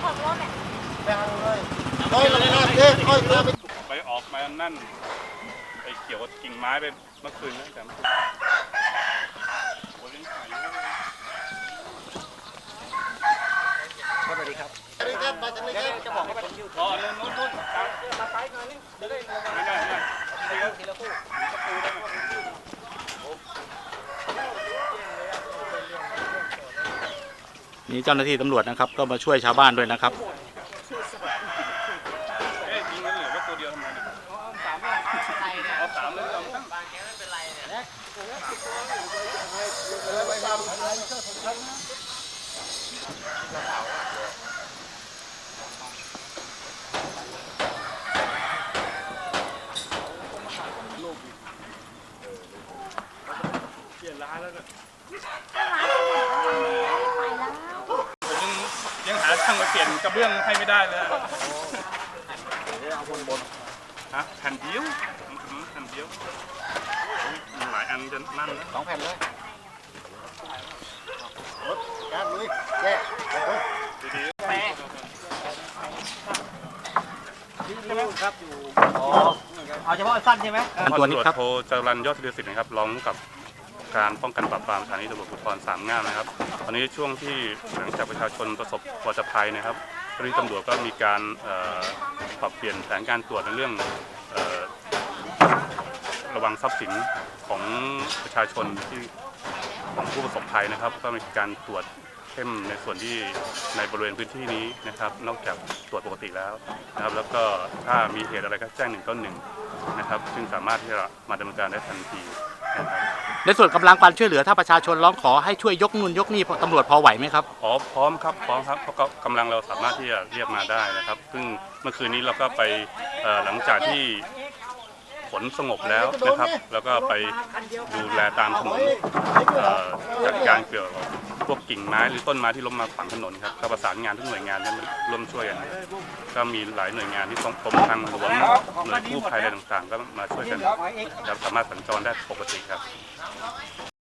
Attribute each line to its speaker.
Speaker 1: ไปออกมานั่นไปเกี่ยวกับกิ่งไม้ไปเมื่อคืนนะแต่โอ้เลี้ยงไก่สวัสดีครับจะบอกว่าอ๋อนู่นมาไปหน่อยนี่เดี๋ยวได้ไม่ได้ทีละคู่
Speaker 2: นี่เจ้าหน้าที่ตำรวจนะครับก็มาช่วยชาวบ้านด้วยนะครับ
Speaker 1: ยิงกันเหลือแค่ตัวเดียวทำไมเนี่ยเอาสามเลยเอาตั้งบางแกไม่เป็นไรเนี่ยเปลี่ยนร้านแล้วเนี่ยยังหาช่างมาเปลี่ยนกระเบื้องให้ไม่ได้เลยเอาบนฮะแผ่นเดียวแผ่นเดียวมีหลายอันจะนั่นนะ
Speaker 3: 2 แผ่นเลยรถการลุยแย่
Speaker 1: ดี
Speaker 3: แม่ใช่ไหมครับอยู่อ๋อเอาเฉพาะสั้นใช่ไหม
Speaker 1: ตัวนี้ครับโทจรัญยอดศิริสิทธิ์นะครับรองกับการป้องกันปราบปรามสถานีตำรวจภูธร3 ง่ามนะครับตอนนี้ช่วงที่หลังจากประชาชนประสบวัฏภัยนะครับเจ้าหน้าที่ตำรวจก็มีการปรับเปลี่ยนแผนการตรวจในเรื่องระวังทรัพย์สินของประชาชนที่ของผู้ประสบภัยนะครับก็มีการตรวจเข้มในส่วนที่ในบริเวณพื้นที่นี้นะครับนอกจากตรวจปกติแล้วนะครับแล้วก็ถ้ามีเหตุอะไรก็แจ้ง191นะครับซึ่งสามารถที่จะมาดำเนินการได้ทันทีนะครับ
Speaker 2: ในส่วนกำลังการช่วยเหลือถ้าประชาชนร้องขอให้ช่วยยกนู่นยกนี่ตำรวจพอไหวไหมครับ
Speaker 1: พร้อมครับเพราะกำลังเราสามารถที่จะเรียกมาได้นะครับซึ่งเมื่อคืนนี้เราก็ไปหลังจากที่ฝนสงบแล้วนะครับแล้วก็ไปดูแลตามถนนจัดการเกี่ยวกับพวกกิ่งไม้หรือต้นไม้ที่ล้มมาขวางถนนครับก็ประสานงานทุกหน่วยงานให้มันร่วมช่วยกันก็มีหลายหน่วยงานที่กรมทางหลวงหน่วยกู้ภัยอะไรต่างๆก็มาช่วยกันสามารถสัญจรได้ปกติครับ